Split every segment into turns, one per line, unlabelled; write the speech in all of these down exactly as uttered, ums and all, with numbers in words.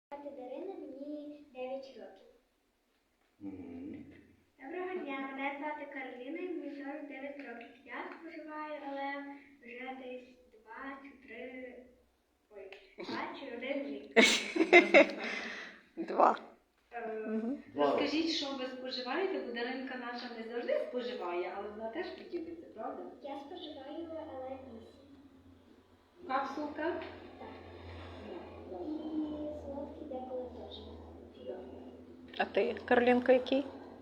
Звати Дарина, мені дев'ять років.
Угу.
Доброго дня, мене звати Кароліна, і мені сорок дев'ять років. Я споживаю, але вже десь два чи три, ой, два чи один рік.
Два.
Е,
Розкажіть, що ви споживаєте, бо Даринка наша не завжди споживає, але вона теж поділиться, правда?
Я споживаю, але вісім.
Капсулка?
Так. І солодкі деколи теж.
А ти, Каролінко, який?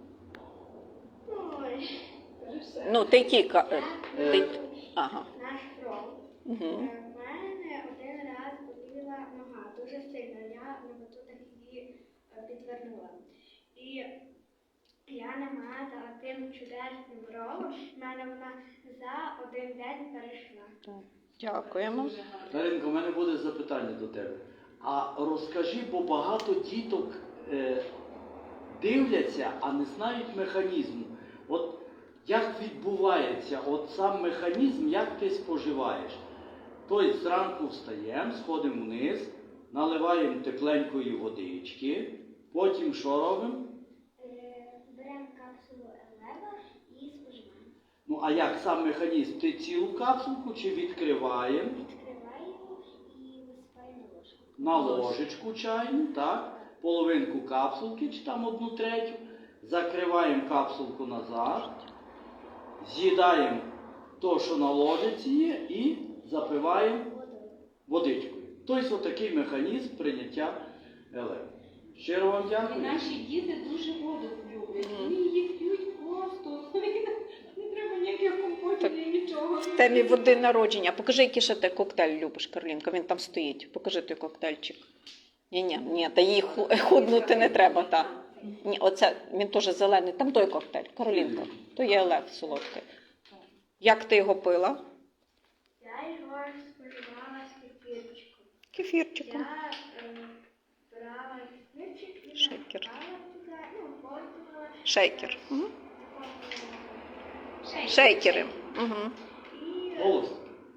Ой,
Ну, ти який? Ка-
я
е, ти...
наш
Ага.
кров.
Угу.
У мене один раз боліла нога дуже сильно, я на батутах її е, підвернула. І я намазала тим чудесним ролом, в мене вона за один день перейшла.
Дякуємо.
Дуже гарно.
Даринко, у мене буде запитання до тебе. А розкажи, бо багато діток е, дивляться, а не знають механізму. От як відбувається от сам механізм, як ти споживаєш? Тобто зранку встаємо, сходимо вниз, наливаємо тепленької водички, потім що робимо?
Е, Беремо капсулу Елева і споживаємо.
Ну а як сам механізм? Ти цілу капсулку чи відкриваємо?
Відкриваємо і висипаємо на ложку.
На ложечку чайну, так, половинку капсулки, чи там одну третю, закриваємо капсулку назад, з'їдаємо то, що на ложиці є, і запиваємо
Водою.
водичкою. Тобто отакий механізм прийняття електро. Щиро вам
І
дякую.
наші діти дуже воду люблять. Вони її п'ють просто. Не треба ніяких компотів і нічого.
В темі води народження. Покажи, який ще ти коктейль любиш, Каролінка. Він там стоїть. Покажи той коктейльчик. Ні, ні, ні, та їй ху- худнути не треба, так. Ні, оце, він теж зелений. Там той коктейль, Каролінка. То є елев солодкий. Як ти його пила?
Я його споживала з кефірчиком.
Кефірчиком.
Я е, брала кефірчик і
Шейкер.
насипала туди, ну, пользувала.
Шейкер. Угу.
Шейкер.
Шейкери. Угу.
І
Голос.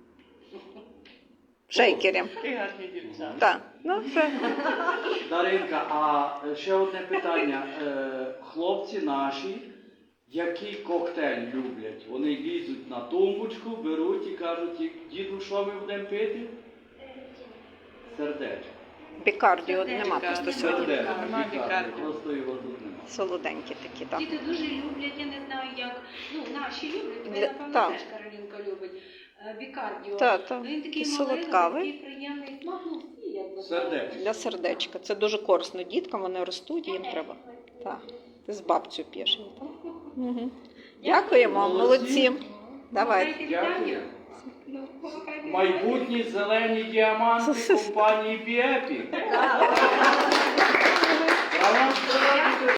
Шейкери. Так. Ну, все.
Даринка, а ще одне питання. Е, Хлопці наші, який коктейль люблять? Вони лізуть на тумбочку, беруть і кажуть, діду, що ми будемо пити?
е,
Сердечко.
Бікардіо нема просто сьогодні.
Сердечко,
Нема
бікарди,
бікарди.
просто його тут немає.
Солоденькі такі, так.
Діти дуже люблять, я не знаю як. Ну, наші люблять, ви,
Для-
напевно,
так.
теж Каролінка любить. Е, Бікардіо.
Так, так.
Він такий
І
маленький,
солодкавий.
такий приємний смак, ну всі якби.
Сердечко.
Для сердечка. Це дуже корисно діткам, вони ростуть, їм треба. Так. Ти з бабцю п'єш. Так? Угу. Дякуємо, молодці. Давай.
Дякую.
Ну, помагайте.
Майбутні зелені діаманти компанії Біепі. Правда?